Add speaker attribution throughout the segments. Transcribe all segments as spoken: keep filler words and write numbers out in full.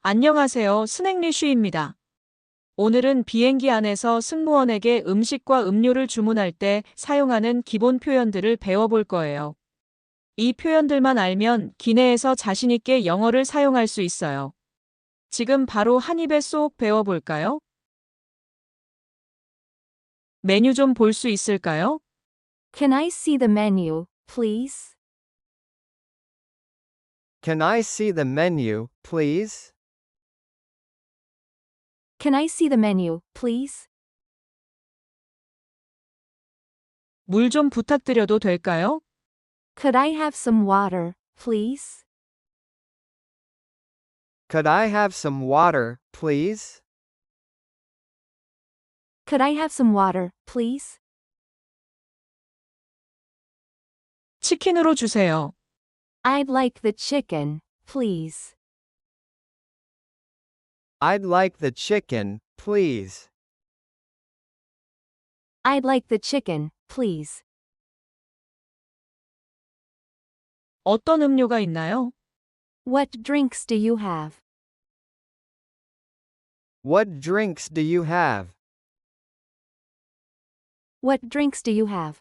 Speaker 1: 안녕하세요. 스낵리쉬입니다. 오늘은 비행기 안에서 승무원에게 음식과 음료를 주문할 때 사용하는 기본 표현들을 배워볼 거예요. 이 표현들만 알면 기내에서 자신있게 영어를 사용할 수 있어요. 지금 바로 한 입에 쏙 배워볼까요? 메뉴 좀 볼 수 있을까요?
Speaker 2: Can I see the menu, please?
Speaker 3: Can I see the menu, please?
Speaker 2: Can I see the menu, please?
Speaker 1: 물 좀 부탁드려도 될까요?
Speaker 2: Could I have some water, please?
Speaker 3: Could I have some water, please?
Speaker 2: Could I have some water, please?
Speaker 1: 치킨으로 주세요.
Speaker 2: I'd like the chicken, please.
Speaker 3: I'd like the chicken, please.
Speaker 2: I'd like the chicken, please.
Speaker 1: 어떤 음료가 있나요?
Speaker 2: What drinks do you have?
Speaker 3: What drinks do you have?
Speaker 2: What drinks do you have?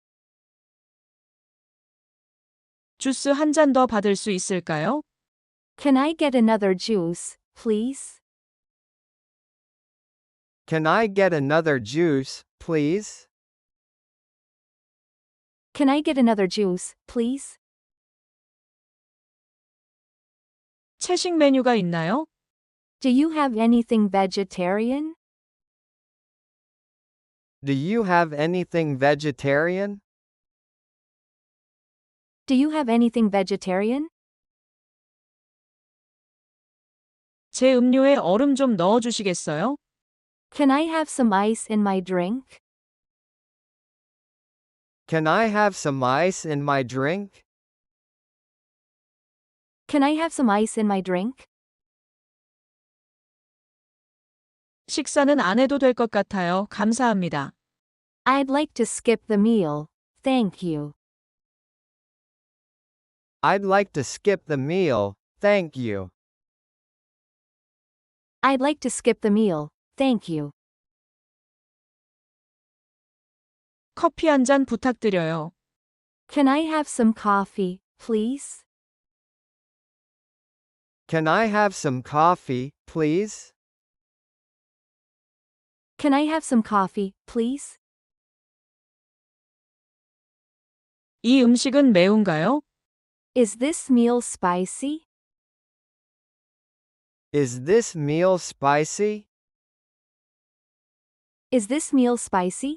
Speaker 1: 주스 한 잔 더 받을 수 있을까요?
Speaker 2: Can I get another juice, please?
Speaker 3: Can I get another juice, please?
Speaker 2: Can I get another juice, please?
Speaker 1: 채식 메뉴가 있나요?
Speaker 2: Do you have anything vegetarian?
Speaker 3: Do you have anything vegetarian?
Speaker 2: Do you have anything vegetarian?
Speaker 1: 제 음료에 얼음 좀 넣어 주시겠어요?
Speaker 2: Can I have some ice in my drink?
Speaker 3: Can I have some ice in my drink?
Speaker 2: Can I have some ice in my drink?
Speaker 1: 식사는 안 해도 될 것 같아요. 감사합니다.
Speaker 2: I'd like to skip the meal, thank you.
Speaker 3: I'd like to skip the meal, thank you.
Speaker 2: I'd like to skip the meal, thank you.
Speaker 1: 커피 한 잔 부탁드려요.
Speaker 2: Can I have some coffee, please?
Speaker 3: Can I have some coffee, please?
Speaker 2: Can I have some coffee, please?
Speaker 1: 이 음식은 매운가요?
Speaker 2: Is this meal spicy?
Speaker 3: Is this meal spicy?
Speaker 2: Is this meal spicy?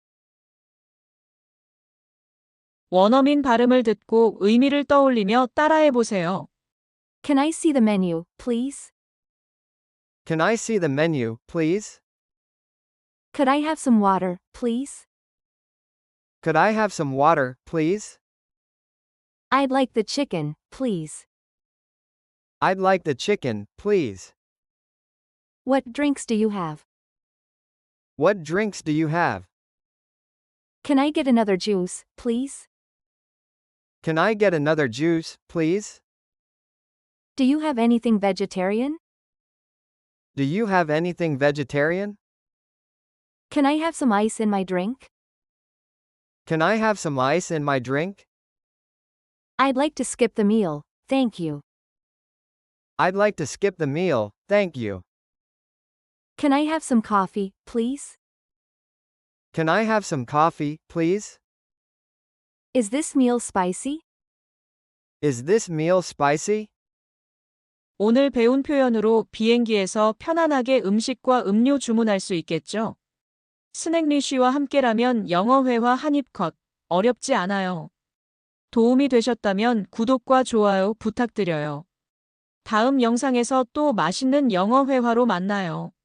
Speaker 1: 원어민 발음을 듣고 의미를 떠올리며 따라해 보세요.
Speaker 2: Can I see the menu, please?
Speaker 3: Can I see the menu, please?
Speaker 2: Could I have some water, please?
Speaker 3: Could I have some water, please?
Speaker 2: I'd like the chicken, please.
Speaker 3: I'd like the chicken, please.
Speaker 2: What drinks do you have?
Speaker 3: What drinks do you have?
Speaker 2: Can I get another juice, please?
Speaker 3: Can I get another juice, please?
Speaker 2: Do you have anything vegetarian?
Speaker 3: Do you have anything vegetarian?
Speaker 2: Can I have some ice in my drink?
Speaker 3: Can I have some ice in my drink?
Speaker 2: I'd like to skip the meal, thank you.
Speaker 3: I'd like to skip the meal, thank you.
Speaker 2: Can I have some coffee, please?
Speaker 3: Can I have some coffee, please?
Speaker 2: Is this meal spicy?
Speaker 3: Is this meal spicy?
Speaker 1: 오늘 배운 표현으로 비행기에서 편안하게 음식과 음료 주문할 수 있겠죠? 스낵리쉬와 함께라면 영어 회화 한입 컷, 어렵지 않아요. 도움이 되셨다면 구독과 좋아요 부탁드려요. 다음 영상에서 또 맛있는 영어 회화로 만나요.